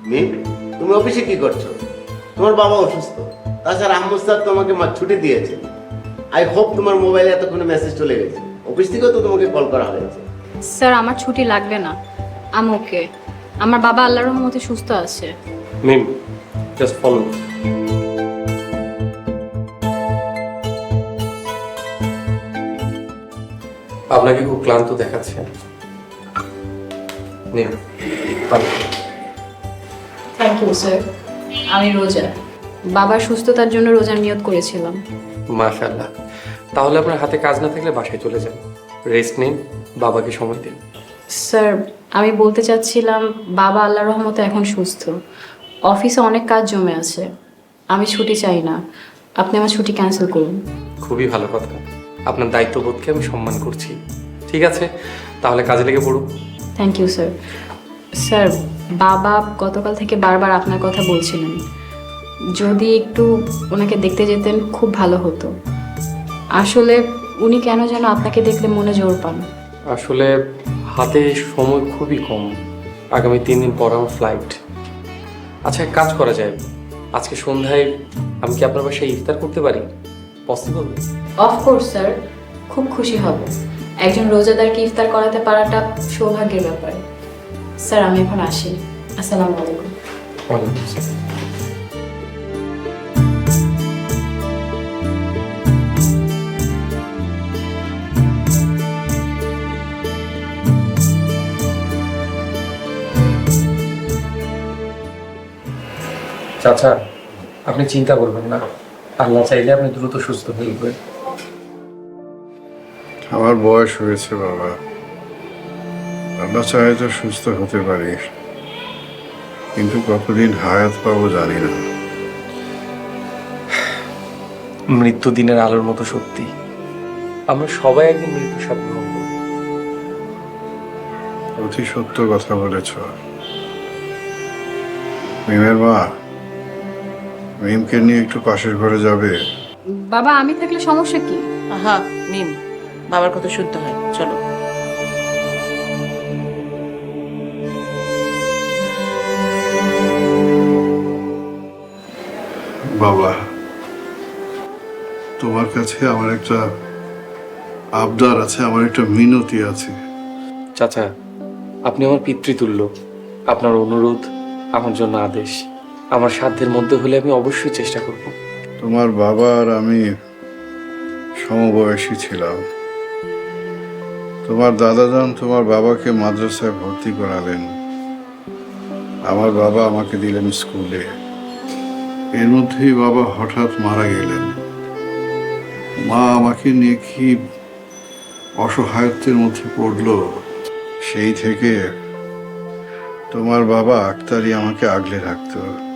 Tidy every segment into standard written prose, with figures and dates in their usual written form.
মিম, তুমি অফিসে কি করছো? তোমার বাবা অসুস্থ, তাছাড়া আহমদ স্যার তোমাকে ছুটি দিয়েছে। আই হোপ তোমার মোবাইলে এতক্ষণে মেসেজ চলে গেছে, অফিস থেকেও তো তোমাকে কল করা হয়েছে। স্যার আমার ছুটি লাগবে না, আমি ওকে। আমার বাবা আল্লাহর রহমতে সুস্থ আছে। Mim, just follow. আপনাকে খুব ক্লান্ত দেখাচ্ছে। নিন, পানি। Thank you sir. আমি রোজা, বাবার সুস্থতার জন্য রোজার নিয়ত করেছিলাম। মাশাআল্লাহ। তাহলে আপনার হাতে কাজ না থাকলে বাসায় চলে যান, রেস্ট নিন, বাবাকে সময় দিন। স্যার আমি বলতে চাচ্ছিলাম, বাবা আল্লাহর রহমতে এখন সুস্থ, অফিসে অনেক কাজ জমে আছে, আমি ছুটি চাই না, আপনি আমার ছুটি ক্যান্সেল করুন। খুবই ভালো কথা, আপনার দায়িত্ববোধকে আমি সম্মান করছি। ঠিক আছে, তাহলে কাজে লেগে পড়ুন। Thank you sir. স্যার বাবা গতকাল থেকে বারবার আপনার কথা বলছিলেন, যদি একটু ওনাকে দেখতে যেতেন খুব ভালো হতো। আসলে উনি কেন যেন আপনাকে দেখলে মনে জোর পান। আসলে হাতে সময় খুবই কম, আগামী 3 দিন পর আমার ফ্লাইট। আচ্ছা, এক কাজ করা যায়, আজকে সন্ধ্যায় আমি কি আপনার বাসায় ইফতার করতে পারি? পসিবল? অফকোর্স স্যার, খুব খুশি হব। একজন রোজাদারকে ইফতার করাতে পারাটা সৌভাগ্যের ব্যাপার। স্যার আমি এখন আসি, আসসালামু আলাইকুম। চাচা, আপনি চিন্তা করবেন না, আল্লাহ চাইলে আপনি দ্রুত সুস্থ হয়ে উঠবেন। আমার বয়স হয়েছে বাবা, আল্লাহ চাহে তো সুস্থ হতে পারি, কিন্তু কতদিন হায়াত পাবো জানি না। মৃত্যু দিনের আলোর মতো সত্যি, আমরা সবাই একদিন মৃত্যুর সাথে গ্রহণ করব। অতি সত্য কথা বলেছ। মিমের মা, মিমকে নিয়ে একটু পাশের ঘরে যাবে? বাবা আমি থাকলে সমস্যা কি? আহা মিম, বাবার কথা শুনতে হয়, চলো। বাবা, তোমার কাছে আমার একটা আবদার আছে, আমার একটা মিনতি আছে। চাচা, আপনি আমার পিতৃতুল্য, আপনার অনুরোধ আমার জন্য আদেশ। আমার সাধ্যের মধ্যে হলে আমি অবশ্যই চেষ্টা করব। তোমার বাবা আর আমি সমবয়সী ছিলাম। তোমার দাদাজান তোমার বাবাকে মাদ্রাসায় ভর্তি করালেন, আমার বাবা আমাকে দিলেন স্কুলে। এর মধ্যেই বাবা হঠাৎ মারা গেলেন। মা আমাকে নিয়ে কি অসহায়ত্বের মধ্যে পড়লো। সেই থেকে তোমার বাবা আক্তারি আমাকে আগলে রাখতো,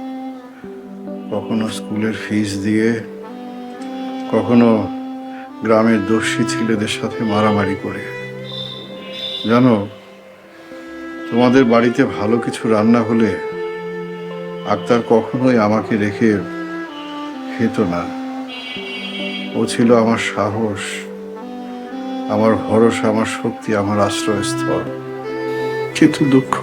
কখনো স্কুলের ফিস দিয়ে, কখনো গ্রামের দস্যি ছেলেদের সাথে মারামারি করে। জানো, তোমাদের বাড়িতে ভালো কিছু রান্না হলে আক্তার কখনোই আমাকে রেখে খেত না। ও ছিল আমার সাহস, আমার ভরসা, আমার শক্তি, আমার আশ্রয়স্থল। কিন্তু দুঃখ,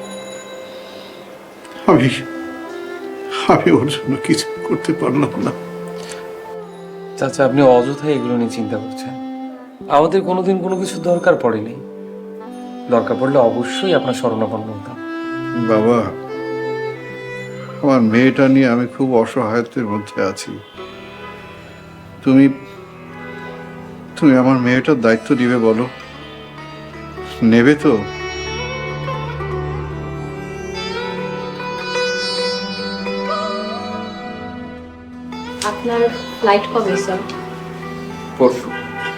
আমি ওর জন্য কিছু করতে পারলাম না। চাচা, আপনি অযথা এগুলো নিয়ে চিন্তা করছেন। আমাদের কোনোদিন কোনো কিছু দরকার পড়েনি, দরকার পড়লে অবশ্যই আপনার শরণাপন্ন হতাম। বাবা, আমার মেয়েটা নিয়ে আমি খুব অসহায়ত্বের মধ্যে আছি। তুমি তুমি আমার মেয়েটার দায়িত্ব দিবে বলো? নেবে তো? আপনার ফ্লাইট কবে স্যার? পরশু।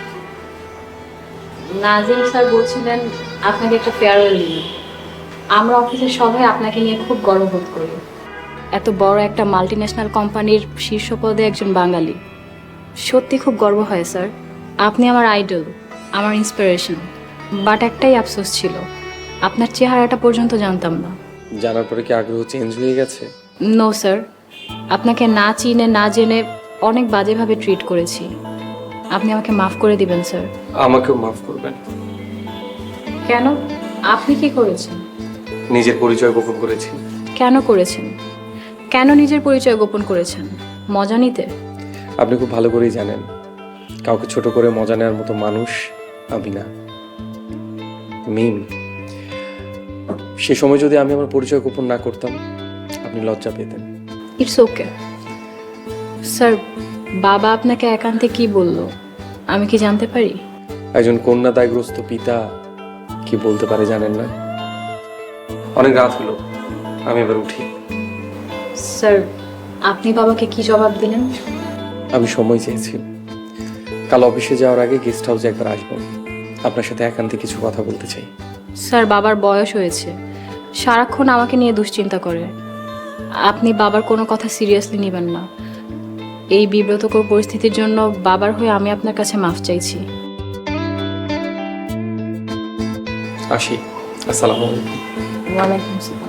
নাজিম স্যার বলছিলেন আপনাকে একটা ফেয়ারওয়েল নিয়ে। আমরা অফিসের সবাই আপনাকে নিয়ে খুব গর্ববোধ করি। এত বড় একটা মাল্টিন্যাশনাল কোম্পানির শীর্ষ পদে একজন বাঙালি, সত্যি খুব গর্ব হয় স্যার। আপনি আমার আইডল, আমার ইন্সপিরেশন। বাট একটাই আফসোস ছিল, আপনার চেহারাটা পর্যন্ত জানতাম না। জানার পরে কি আগ্রহ চেঞ্জ হয়ে গেছে? নো স্যার, আপনাকে না চিনে না জেনে অনেক বাজেভাবে ট্রিট করেছি। আপনি আমাকে মাফ করে দিবেন স্যার। আমাকেও মাফ করবেন। কেন? আপনি কি করেছেন? নিজের পরিচয় গোপন করেছি। কেন করেছেন? কেন নিজের পরিচয় গোপন করেছেন? মজা নিতে? আপনি খুব ভালো করেই জানেন কাউকে ছোট করে মজা নেওয়ার মতো মানুষ আমি না। মিম, সে সময় যদি আমি আমার পরিচয় গোপন না করতাম আপনি লজ্জা পেতেন। It's okay sir. বাবা আপনাকে একান্তে কি বললো আমি কি জানতে পারি? একজন কন্যা দায়গ্রস্ত পিতা কি বলতে পারে জানেন না? অনেক রাত হলো, আমি এবার উঠি। স্যার, আপনি বাবাকে কি জবাব দিলেন? আমি সময় চেয়েছি, কাল অফিসে যাওয়ার আগে গেস্ট হাউসে একবার আসবো, আপনার সাথে একান্তে কিছু কথা বলতে চাই। স্যার, বাবার বয়স হয়েছে, সারাক্ষণ আমাকে নিয়ে দুশ্চিন্তা করে। আপনি বাবার কোনো কথা সিরিয়াসলি নেবেন না। এই বিব্রতকর পরিস্থিতির জন্য বাবার হয়ে আমি আপনার কাছে মাফ চাইছি। আসি, আসসালামু আলাইকুম। ওয়ালাইকুম আসসালাম।